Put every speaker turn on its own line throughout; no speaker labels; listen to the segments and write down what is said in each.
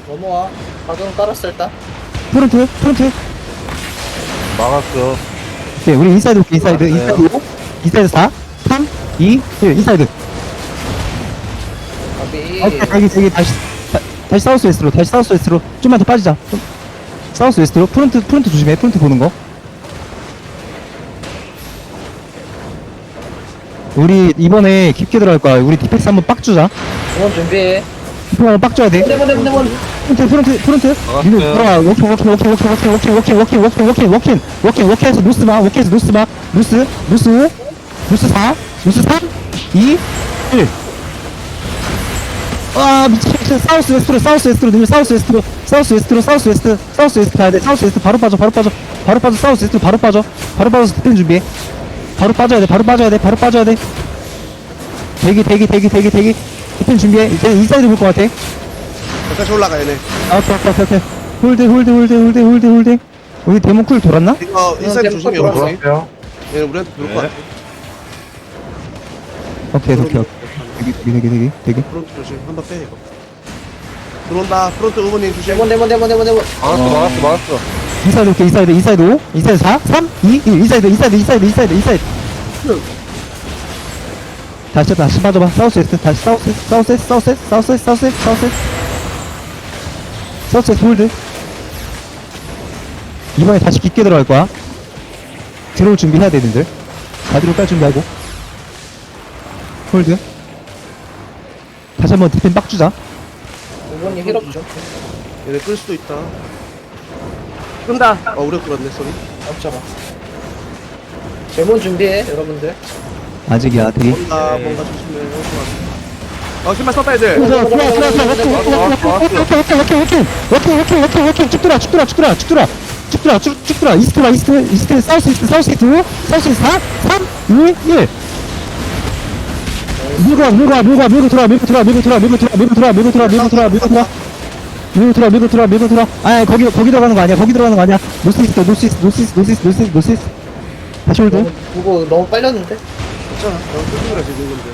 넘어와. 가끔 깔았어 일단.
프론트
막았어.
오케이 우리 인사이드 올게 인사이드
알았어요.
인사이드 5 인사이드 4 3 2 1 인사이드
가비.
오케이 저기 다시 사우스 웨스트로 좀만 더 빠지자 사우스 웨스트로 프론트 조심해 프론트 보는 거 우리 이번에 깊게 들어갈 거야 우리 디펙스 한번 빡 주자
응원 준비해.
디펙스 한번 빡 줘야 돼
네번.
프론트
막았어요.
니들 들어와 워킹해서 노스마 노스 4 노스 3 2 1 아 미친 사우스 웨스트로 늘 사우스 웨스트 가야 돼 사우스 웨스트 바로 빠져 사우스 웨스트 바로 빠져서 디펜 준비해 바로 빠져야 돼 대기 디펜 준비해 이제 인사이드 볼 것 같아
여기까지 올라가 얘네.
오케이 홀드 우리 데몬 쿨 돌았나?
이거 인사이드 조심해.
돌아왔어.
여기. 얘네 우리한테 들어올 것 같아.
오케이 대기
프론트 조심. 한번 빼 이거. 들어온다. 프론트 의원님 조심.
네번.
막았어.
인사이드 5 인사이드 4 3 2 1 인사이드 다시 빠져봐 사우스 웨스트 다시 사우스 웨스트 홀드 이번에 다시 깊게 들어갈 거야 들어올 준비해야 돼 님들 바디로 깔 준비하고 홀드 다시 한번 디펜 빡 주자
응원이 힐업 좀.
얘네 끌 수도 있다. 끈다. 우리가 끌었네. 소리.
잡아. 제몬 준비해 여러분들.
아직이야 되게
뭔가 조심해. 신발 썼다 애들.
워킹 쭉 돌아 이스트 사우스 이스트 4 3 2 1 밀고 돌아 아 거기 들어가는 거 아니야 노스 다시 홀드
그거 너무 빨렸는데.
괜찮아. 너무 끌는 거라 지금 건데.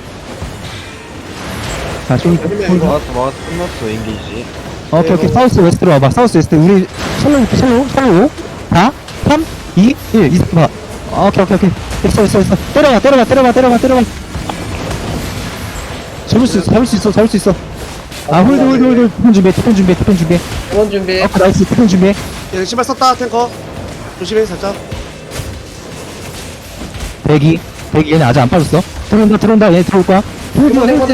다시 홀드
막았어. 끝났어, 인기지.
오케이 사우스 웨스트로 와봐 사우스 웨스트 우리 샬로 4 3 2 1 이스트 봐 오케이 됐어 때려봐 잡을 수 있어 아 홀드 디펜 준비해
응원 준비해.
오케이 나이스 디펜 준비해
얘네 신발 썼다. 탱커. 조심해 살짝.
대기 얘네 아직 안 빠졌어 들어온다 얘 들어올 거야
네번.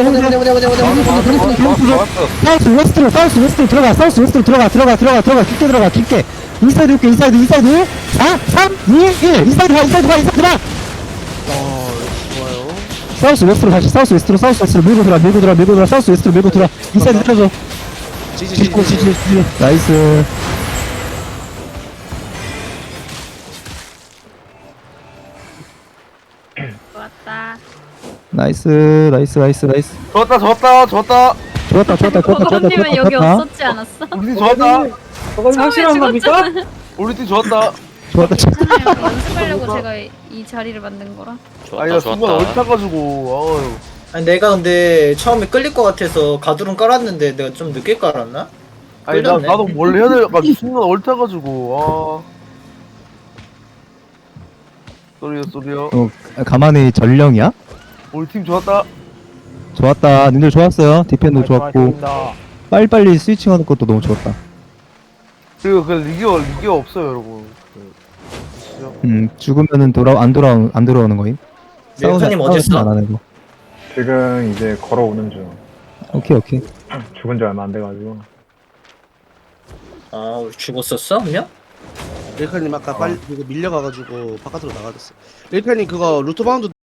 사우스 웨스트로 들어가 깊게 인사이드 올게 인사이드 4 3 2 1 인사이드 가
좋아요.
사우스 웨스트로 밀고 돌아 사우스 웨스트로 밀고 돌아 인사이드 틀어줘
지지.
나이스
좋았다.
나이스
좋았다.
버거님은 여기 없었지 않았어?
우리 팀 좋았다.
저건 확실한 겁니까?
우리 팀 좋았다.
좋았다
괜찮아요. 연습하려고 제가 이 자리를 만든 거라.
아니, 나 순간 옳다가지고, 아유.
아니 내가 근데 처음에 끌릴 것 같아서 가두름 깔았는데 내가 좀 늦게 깔았나?
아니,
끌렸네.
나도 뭘 해야 될까? 순간 옳다가지고, 쏘리요.
가만히 전령이야?
우리 팀 좋았다.
좋았다 님들 좋았어요 디펜도 좋았고 빨리빨리 스위칭하는 것도 너무 좋았다
그리고 리기가 없어요, 여러분. 보시죠.
죽으면은 안 돌아오는 거임
밀크님 어디 있어?
안 하는 거
지금 이제 걸어오는 중.
오케이
죽은 지 얼마 안 돼가지고.
아 우리 죽었었어 한 명?
릴카님 아까 빨리 이거 밀려가가지고 바깥으로 나가졌어. 릴카님 그거 루트 바운드